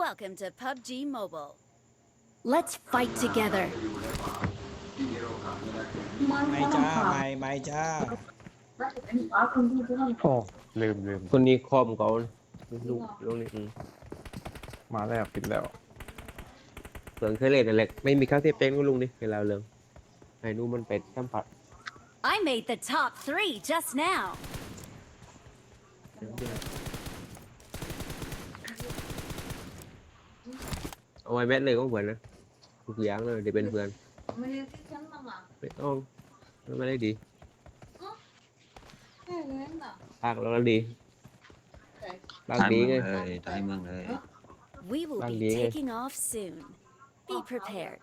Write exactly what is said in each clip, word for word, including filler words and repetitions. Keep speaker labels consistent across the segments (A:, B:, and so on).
A: Welcome to พับจี Mobile. Let's fight together.
B: ไม่จ้าไม่ไม่จ้า
C: โอ้ลืมลืม
D: คนนี้คอมเขาลูกลูกนี้อืม
C: มาแล้วปิดแล้ว
D: เสืองเคยเล่นอะไรไม่มีข้าวเทียบเป้งก็ลุงนี่เวลาเรื่องไอ้นู่นมันเป็นสัมผัส
A: I made the top three just now.
D: เอาไว้แมทเลยก็เหมือนนะทุกอย่างเลยเดี๋ยวเป็นเพื่อนไม่ต้องไม่ได้ดีปากเราแล้วดีปากดีไง
E: เลยตายเมืองเลย
A: We will
D: Bang
A: be
D: đi nghe.
A: taking off soon. Be prepared.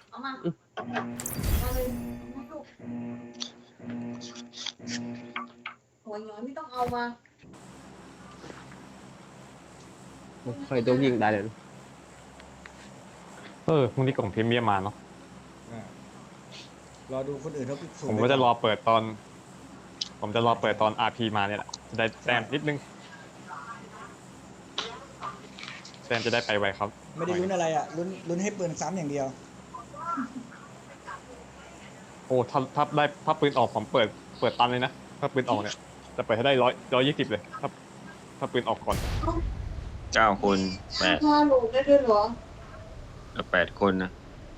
F: หัวย้อยไม่ต้องเอามา
D: ใครต้องยิงได้เลยนะ
C: เออพรุ่งนี้กล่องพรีเมียมมาเนาะ
B: อ่ารอดูคนอื่นเขาสุ่
C: ผมก็จะรอเปิดตอน ผมจะรอเปิดตอน อาร์ พี มาเนี่ยแหละจะได้แต้มนิดนึงแต้มจะได้ไปไวครับ
B: ไม่ได้ลุ้นอะไรอ่ะลุ้นลุ้นให้ปืนซ้ำอย่างเดียว
C: โอ้ถ้าถ้าได้ถ้าปืนออกผมเปิดเปิดตันเลยนะถ้าปืนออกเนี่ยจะเปิดให้ได้ร้อยร้อยยี่สิบเลยถ้าถ้าปืนออกก่อน
E: เก้าคนแปด
F: พาลูกได้ด้วยเหรอ
E: แปดคนนะ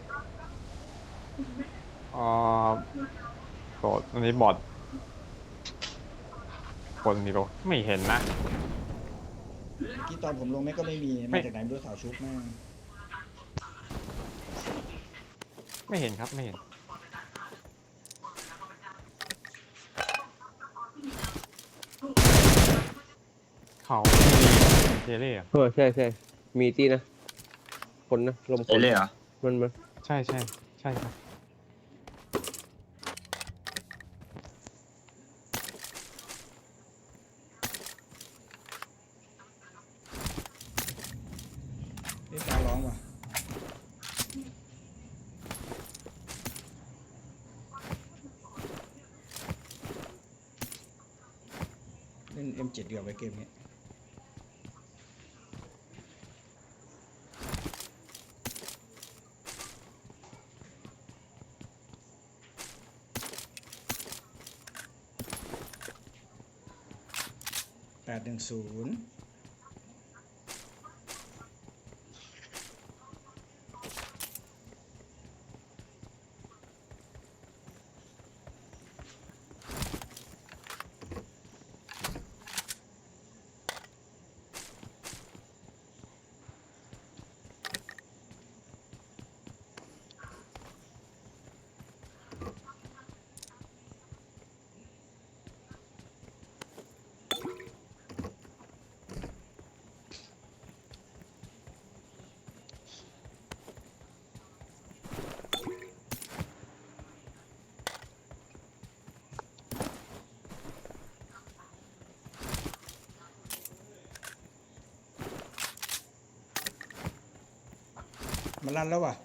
C: อ่าบอดอันนี้บอดคนนี้ก็ไม่เห็นนะ
B: ที่ตอนผมลงแม่ก็ไม่มี
C: ไม่
B: มาจากไหนไม่รู้สาวชุบแม่ง
C: ไม่เห็นครับไม่เห็นเขามีเทเล่อะ
D: เออใช่ใช่มีที่นะคนนะลมค
E: เอน เล่เหรอ
D: มันมัน
C: ใช่ใช่ใช่ครับ
B: นี่ตาร้องว่ะเล่น เอ็ม เจ็ด เดียวไปเกมนี้แปดหนึ่งศูนย์มันลั่นแล้วว่ะ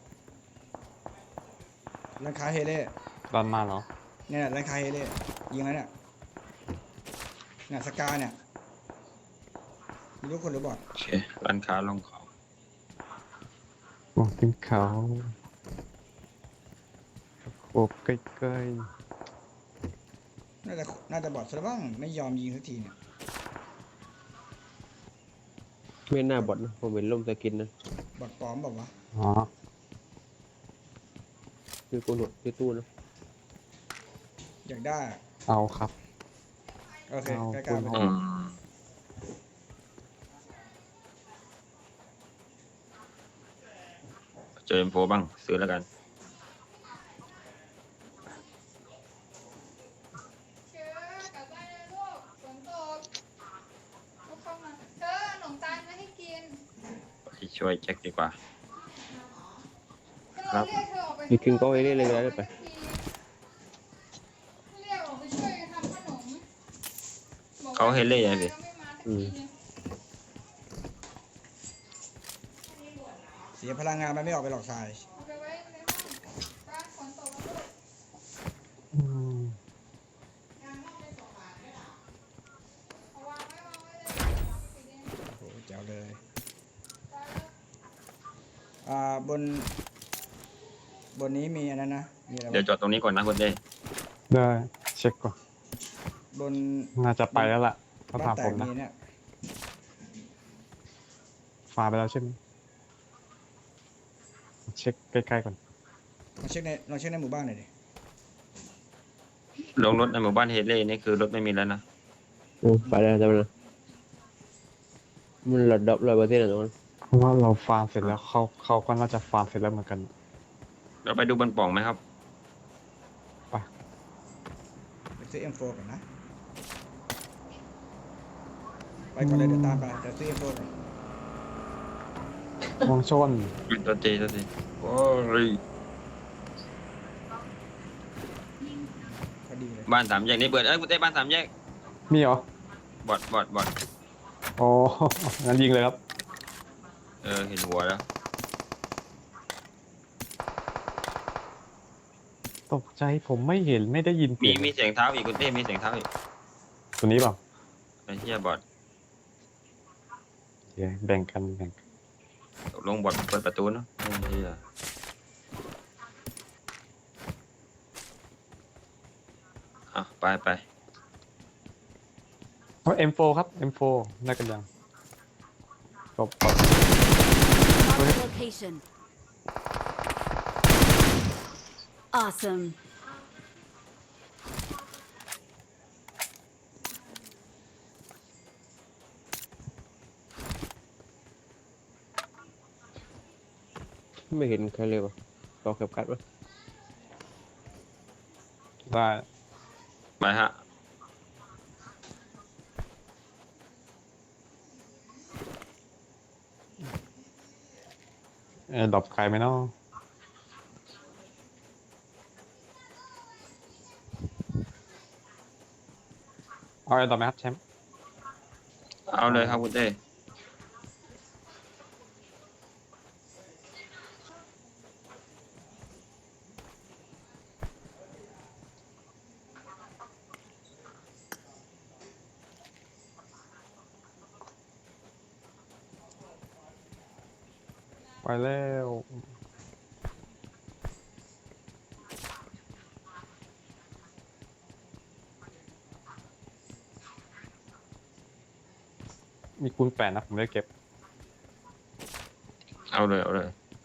B: ร้านค้าเฮเล่
C: รันมาเหรอ
B: เนี่ยร้านค้าเฮเล่ยิงแล้วเนี่ยเนี่ยสกาเนี่ยมีลูกคนหรือบอด
E: โอเคร้านค้าลงเขา
C: มองขึ้นเขาโอบใกล้
B: น่าจะน่าจะบอดซะแล้วบ้างไม่ยอมยิงสักทีเนี่ย
D: ไม่น่าบอดนะผมเห็นลมสกินนะ
B: บอดปลอมบอกว่าวะ
C: ๆอ๋อ
D: คือกูหนวดคือตู้นะ
B: อยากได้อะ
C: เอาครับ
B: โอเค
C: เอา
B: ใกล้ๆไป
C: คุณ
E: อืมเจอเอ็มโฟบ้างซื้อแล้วกัน
F: เชื่อกลับบ้านเลยลูกฝนตกลูกเข้ามาเธอขนมตาลมาให้กิน
E: ไปช่วยแจ็คดีกว่า
F: เราเรียกเธอออกไป
D: มีคิงก็ไว้เรื่อยๆได้ไป
F: เรียกออกไปช่วยกันทำขนมบอกว่า
E: เขาเฮเล่ยังไงพี่
F: ไม่มาสักทีนึง
B: เสียพลังงานมันไม่ออกไปหลอกทราย
F: เอาไปไว้ในห้องบ้านฝนตกแล้วลูก
C: อืม
F: เอาวางไว้วางไว้เลย
B: โอ้โหแจ๋วเลยบน บนนี้มีอันนั้นนะมีอะไร
E: เดี๋ยว
B: บ้าง
E: จอดตรงนี้ก่อนนะคุณเต้
C: ได้เช็คก่อน
B: บน
C: น่าจะไปแล้วล่ะถ้า
B: บ้า
C: ถาน ม
B: แต
C: ผ
B: ก
C: มนะ
B: มีเนี่ย
C: ฟาไปแล้วใช่ไหมเช็คใกล้ๆก่อน
B: ลองเช็คในลองเช็คในหมู่บ้านหน่อยดิ
E: ลงรถในหมู่บ้านเฮเล่นี่คือรถไม่มีแล้วนะ
D: อืมไปแล้วจำเลยมันหลดดับร้อยเปอร์เซ็นต์อะตรงนั้น
C: เพราะว่าเราฟาร์มเสร็จแล้วเขาเขาก็น่าจะฟาร์มเสร็จแล้วเหมือนกัน
E: เราไปดูบนปล่องไหมครับ
B: ไปซื้อ เอ็ม โฟร์ ก่อนนะ ไปก่อนเลยเดี๋ยวตามไปเดี๋ยวซื้อ เอ็ม โฟร์ ก่อน
C: วงชน
E: ตัวเจตัวเจโอ้ย
B: พอดีเลย
E: บ้านสามแยกนี่เปิดเอ้ยคุณเต้บ้านสามแยก
C: มีเหรอบ
E: อดบอดบอด
C: โอ้ งั้นยิงเลยครับ
E: เออเห็นหัวแล้ว
C: ตกใจผมไม่เห็นไม่ได้ยิน
E: มี
C: เสียง
E: มีเสียงเท้าอีกคุณเต้มีเสียงเท้าอีก
C: ตัวนี้เปล่า
E: ไอ้เหี้ยบอด
C: โอเคแบ่งกันแบ่งกัน
E: ตกลงบอดเปิดประตูเนาะไอ้เหี้ยอ่ะไปไป
C: เพราะ เอ็ม โฟร์ ครับ เอ็ม โฟร์ ได้กันยังจบก่อน
A: Mark the location. Awesome.
D: ไม่เห็นใครเลยวะต่อเข็บกัดวะ
C: ได้
E: ไปฮะ
C: เออดรอปใครไหมเนาะเอาไอ้ดรอปไหมครับแชมป์
E: เอาเลยครับคุณเต้
C: ไปแล้วมีคูณแปดนะผมได้เก็บ
E: เอาเลยเอาเลย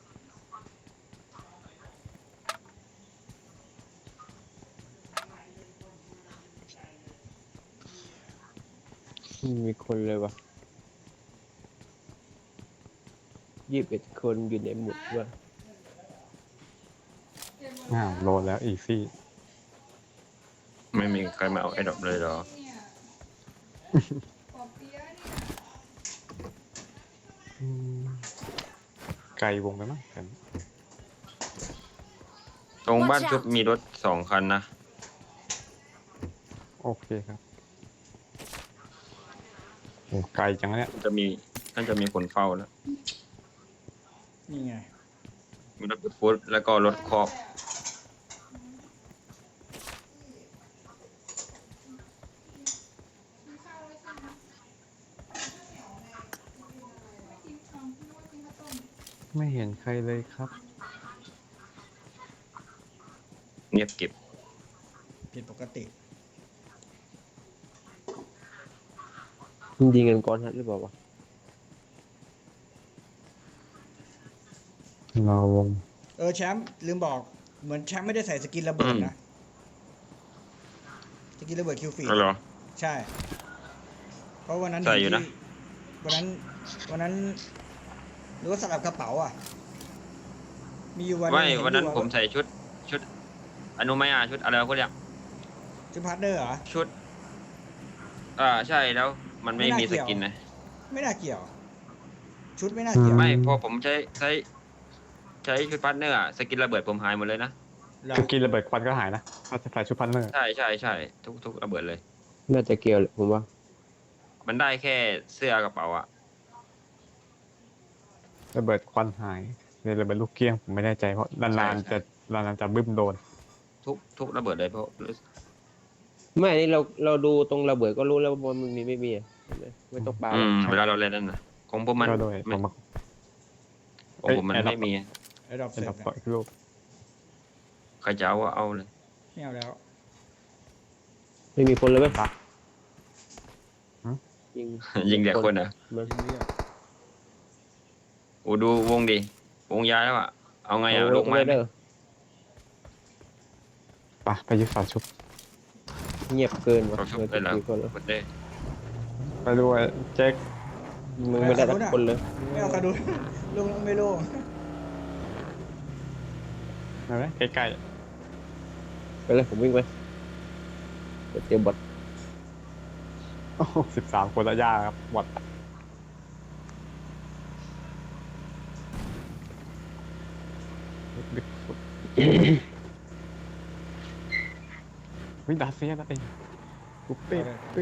D: ไม่มีคนเลยวะยี่สิบเอ็ดคนอยู่ในหมู่วะ
C: อ้าวโหลดแล้วอีซี่
E: ไม่มีใครมาเอาไอ้ดอกเลยเหรอ
F: เนี่ยปอเปี๊ยะเนี่ย
C: ไกลวงไปมั้งกัน
E: ตรงบ้านชุบมีรถสองคันนะ
C: โอเคครับโอ้ไกลจังเนี่ย
E: จะมีน่าจะมีคนเฝ้าแล้ว
B: นี่ไง
E: มีรถฟุตแล้วก็รถคอก
F: กินข้าวแล้วใช่ไหมไม่กินข้าวพี่ว่ากินข้าวต้ม
C: ไม่เห็นใครเลยครับ
E: เงียบเก็บ
B: ผิดปกติ
D: มันยิงกันก้อนฮัดหรือเปล่าวะ
C: เราวง
B: เออแชมป์ลืมบอก เหมือนแชมป์ไม่ได้ใส่สกินระเบิดนะ สกินระเบิดคิวฟีด
E: แล้วเหรอ
B: ใช่ เพราะวันนั้น
E: ใส่อยู่นะ
B: ที่วันนั้น วันนั้นหรือว่าสลับกระเป๋าอ่ะ มีอยู่วันห
E: ไม่
B: งเห็
E: วันนั้น
B: อยู่
E: ผมใส่ชุดชุดอนุมายาชุดอะไรเขาเรียก
B: ชุดพาร์ทเนอร์เหรอ
E: ชุด อ่าใช่แล้วมันไม่
B: ไม่น่า
E: มี
B: เกี่
E: ส
B: ยว
E: กินนะ
B: ไม่น่าเกี่ยว ชุดไม่น่าเกี่ยว
E: ไม่พอผมใช้ใช้ใช้ชุดพาร์ทเนอร์อะสกินระเบิดผมหายหมดเลยนะ
B: เหรอ
C: สกินระเบิดควันก็หายนะถ้าจะใส่ชุดพันเนอร์
E: ใช่ใช่ใช่ทุกทุกระเบิดเลย
D: น่าจะเกี่ยวแหละผมว่า
E: มันได้แค่เสื้อกระเป๋าอะ
C: ระเบิดควันหายเลยระเบิดลูกเกี้ยงผมไม่แน่ใจเพราะนานๆจะนานๆจะบึ้มโดน
E: ทุกทุกระเบิดเลยเพราะ
D: ไม่อันนี้เราเราดูตรงระเบิดก็รู้แล้วว่ามันมีไม่มีอะเห็นไหมไม่ต้องปา
E: อืมเวลาเราเล่นนั่นนะของผมมัน
C: ก็ด้วย
E: ไม่
C: ผมมา
E: ของผมมัน
C: เอ้ย
E: ไม่มี
B: ระดับ
C: เป็
B: เส
C: น
B: ร็จ
C: ดับ
B: นะ
C: ต่ออีกรูป
E: ใครจะเอาเอาเลย
B: ไม่เอาแล้ว
D: ไม่มีคนเลยไหม
C: ปะ
D: ยิง
E: ยิงแต่คนอ่ะ
D: มัน
B: ยิงเรียก
E: โอ้ดูวงดิวงย้ายแล้วอ่ะเอาไงอ่ะลงไม้ไหม
D: เด้อ
C: ปะไปยึดฝาชุบ
D: เงียบเกินว่ะ
E: เราชุบ
D: เหลือ
E: เลยเหรอ
D: กี่คนแล้ว
E: หมดเลย
C: ไปด้วยแจ็ค
D: มึงไม่ได้สักคนเลย
B: ไม่เอากระดู ลงไม่ลง
C: เห็นไหมใกล้
D: ไปเลยผมวิ่งไปเดี๋ยวเตรียมบอท
C: ๆโอ้สิบสามคนละยากครับวัดดึกสุดวิ่งดาเซียนะเองปุ๊บเป้เป้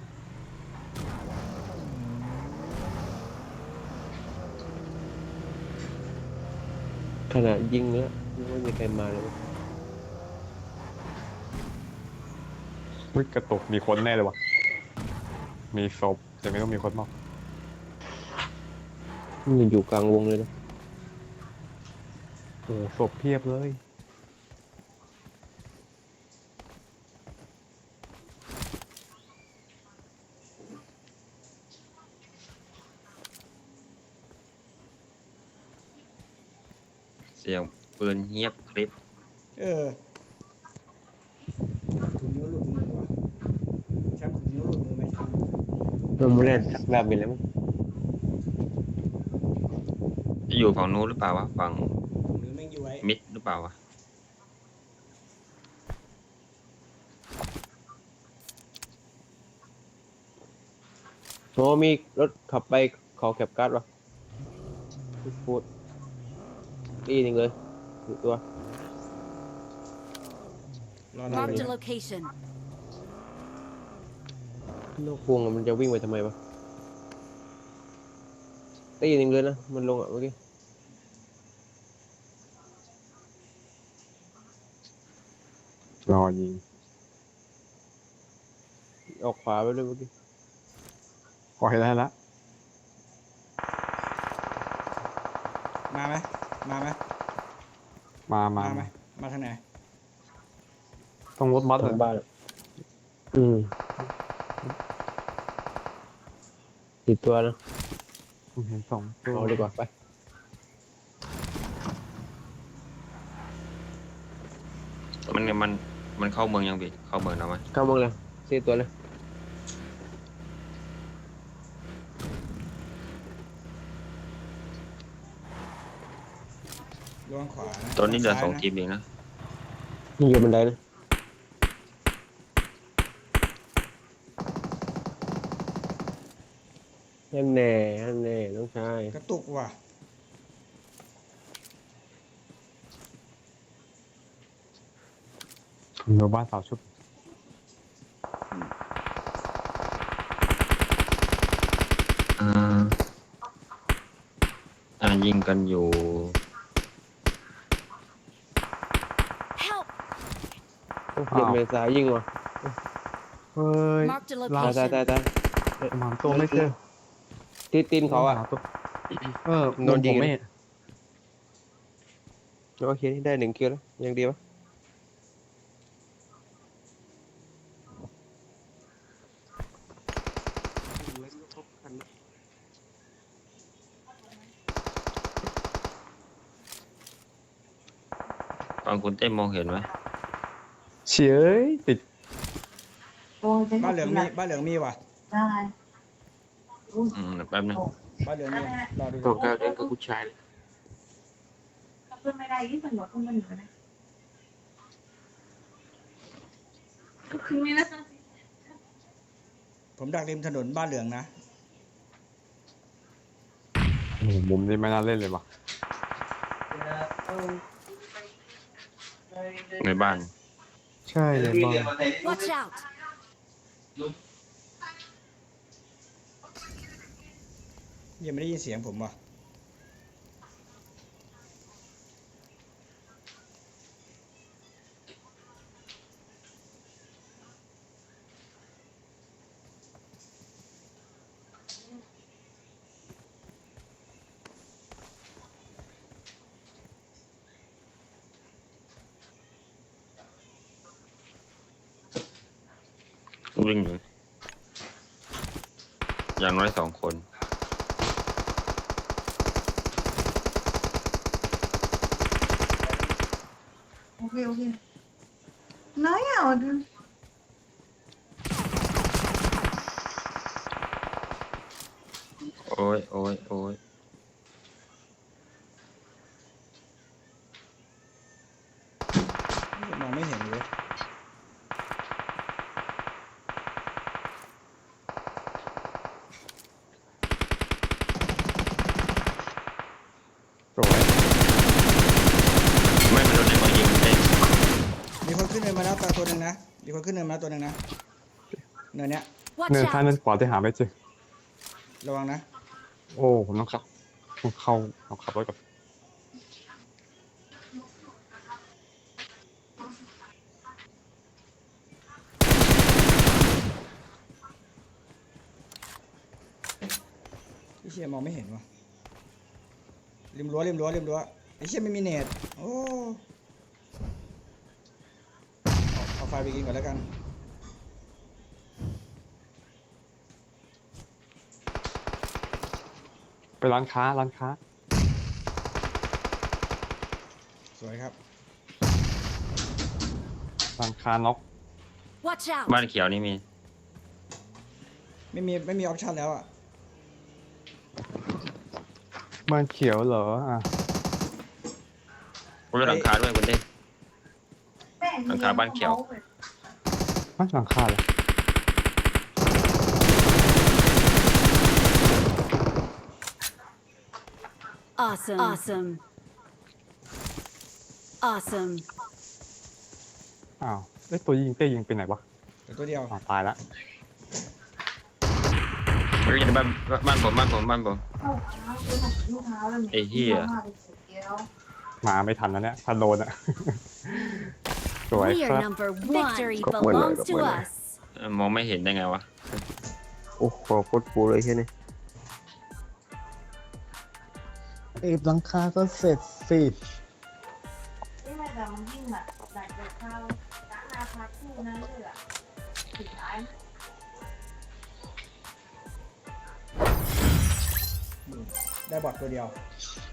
D: ขนาดยิงแล้วยังไม่มีใครมาเลย
C: วิ่งกระตุกมีคนแน่เลยวะมีศพแต่ไม่ต้องมีคนมาก
D: มันอยู่กลางวงเลยนะ
C: โอ้ศพเพียบเลย
E: เสียงปืนเงียบคลิป
B: เออถุงนิ้วหลุดมือว่ะแชมป์ถุงนิ้วหลุดมือไหมแชมป์
D: มันไม่ได้สักแบบนี้แล้วมั้ง
E: จะอยู่ฝั่งนู้นหรือเปล่าวะฝั่ง
B: ถุงนิ้วแม่งอยู่ไว้
E: มิดหรือเปล่าวะ
D: โอ้มีรถขับไปเขาแคปการ์ดวะพูดดีหนึ่งเลยดูตัว
B: รอเรา
A: Marked
B: เล
A: a
B: ย
A: location.
D: นอกวงอะมันจะวิ่งไปทำไมวะตีหนึ่งเลยนะ มันลงอ่ะเมื่อกี้
C: รอยิง
D: ออกขวาไปเลยเมื่อกี้
C: ขอให้ได้ละ
B: มาไหมมาไหม
C: มามา
B: มาไหมมาทางไหน
C: ต้องรถมัด
D: ทา
C: เล
D: ง
C: ย
D: บ้านอะอืมติดตัวนะ
C: ผมเห็นสองตัว
D: เอาดีกว่าไป
E: มันมันมันเข้าเมืองยังบิเข้าเมืองแล้วไหม
D: เข้ามึงเลยสี่ตัวเลย
B: ลวงขวานะ
E: ตอนนี้เหลือสอง
B: ซ้ายะ
E: ทีมเองนะ
D: นี่อยู่บันไดนะนั่นแน่นั่นแน่น้องชาย
B: กระตุกว่ะ
C: อยู่บ้านสาวชุบ
E: อ่าอ่ายิงกันอยู่
A: Help!
D: โอ้เปลี่ยนเมษายิงว่ะ
C: เฮ้ย
A: Marked a
C: ลา
D: ตายตายตาย
A: location.
D: ตาย
C: หมาตัวไม่เจอ
D: ตีตีนเขาอ่ะ
C: หตัวเออ
D: โดนยิง
C: ผมไม่
D: โอเคได้หนึ่งคิวแล้วยังดีปะ
E: ฝั่งคุณเต้มมองเห็นไหม
C: เฉยติด
B: บ้านเหลืองมีบ้านเหลืองมีว่ะ
G: ได้
E: อืมแป๊บนึง
B: บ้านเหลืองมีรอดู
D: ตัวกลางเล่นกับผู้ชายเลย
G: เพื่อนไม่ได้ยี่สิบหัวคุณมันอยู่นะคือมีนะ
B: ผมดักริมถนนบ้านเหลืองนะ
C: โอ้โหมุมนี้ไม่น่าเล่นเลยว่ะ
E: ในบ้าน
C: ใช่เลยบ้าน
A: Watch out!
B: ยังไม่ได้ยินเสียงผมว่ะ
E: วิ่งอยู่อย่างน้อยสองคน
G: โอเคโอเคน้อยอ่ะ
E: โอ้ยโอ้ยโอ้ย
B: มองไม่เห็นเลย
C: สวย
E: ไม่มันโดนในบอลยิงเอง
B: มีคนขึ้นเนินมาแล้วตัวหนึ่งนะมีคนขึ้นเนินมาแล้วตัวหนึ่งนะเนินเนี้ย
A: Watch
C: เนินซ้าย
A: out!
C: เนินขวาที่หาไม่เจอ
B: ระวังนะ
C: โอ้ผมต้องขับผมเข้าเอาขับรถก่อน
B: ไอ้เชี่ยมองไม่เห็นวะริมรั้วริมรั้วริมรั้วไอ้เชี่ยไม่มีเน็ตโอ้เอาเอาไฟไปกินก่อนแล้วกัน
C: ไปร้านค้าร้านค้า
B: สวยครับ
C: ร้านค้าน็อก
A: Watch out!
E: บ้านเขียวนี่มี
B: ไม่มีไม่มีออปชั่นแล้วอ่ะ
C: บ้านเขียวเหรออ่ะ
E: ผมจะหลังคาด้วยคุณเด้ หลังคาบ้านเขียว
C: บ้านหลังคาเลย
A: Awesome! Awesome! Awesome!
C: อ้าวไอ้ยตัวยิงเต้ยิงไปไหนวะ
B: เดี๋ยวตัวเดียว
C: อ๋อตายละ
E: ไม่รู้อยู่ในบ้านบ้านผมบ้านผมบ้านผม
G: เข้าเท้าซื้อของลูกเท้าแล้ว
E: ไอ้เหี้ย
C: มาไม่ทันแล้วเนี่ยทันโดนอ่ะ สวย
A: We
C: ค
A: are
C: รับ
A: number one. Victory
D: Cọc mười lời,
A: belongs
D: cọc
A: to
D: mười lời.
A: us.
E: เอ่อมองไม่เห็นได้ไงวะ
D: โอ้โหโคตรฟูเลยแค่นี้
C: เอฟหลังคาก็เสร็จสิ
G: นี่ไม่แต่มันยิ่งแบบแบกเด็กเข้าจ้านาพักคู่นั้นเลยอ่ะสุดท้าย
B: ได้บอทตัวเดียว
G: เ